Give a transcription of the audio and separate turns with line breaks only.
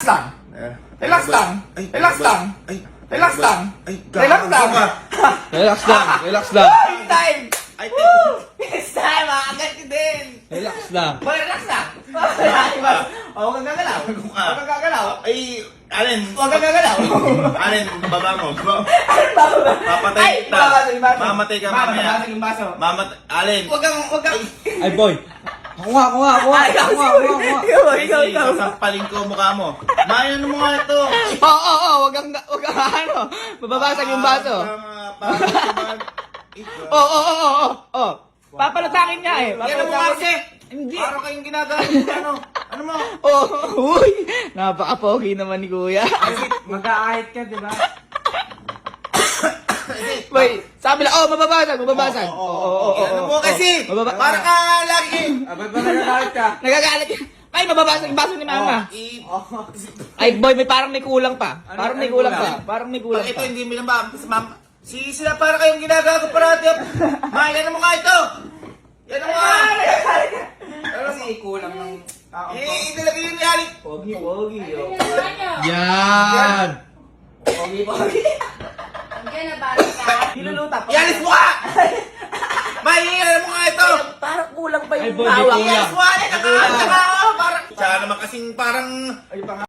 lang. Relax lang. Relax lang. Relax lang. Relax lang.
Relax lang, relax lang.
This time!
Ay,
This time, agad ka din.
Relax lang.
Boy, relax lang. Huwag kang gagalaw. Huwag kang gagalaw.
ay, Alin,
Huwag kang gagalaw.
Alin, baba mo. Papatay
Ay,
kita.
babasag yung baso.
Mamatay ka mamaya.
Babasag yung baso.
Alin.
Huwag kang...
Ay, boy. Ako nga.
Kasi sasampalin ko mukha mo. Mayan mo nga ito.
Oo, huwag kang ano. Mababasag yung baso. Oo. Papalatakin niya eh.
Yan mo nga kasi.
Hindi.
Parang kayong ginagawa. Ano mo?
Uy, napaka-pogi naman ni Kuya.
Mag-aahit ka, di ba?
Boy, sabi lang, mababasag.
Ano mo kasi? Parang ka lagi.
Ba't ba nagagalit ka?
Nagagalit. Ay, mababasag yung baso ni Mama.
Oh.
Ay, boy, parang may kulang pa. Parang may kulang
Pag ito
pa.
hindi mo lang ba? Sila para kayong ginagago parati. Yan mo nga ito. Yan mo nga.
Kasi kulang ng...
Talaga yun yan.
Pogi.
Yan.
Pogi.
Diyan na balik ka.
Niluluta pa.
Yalis mo ka. Yan mo nga ito.
Parang kulang pa
Ay,
yung
boy, may
hawak.
kulang.
Yalis mo nga. Parang... Siya naman kasing parang...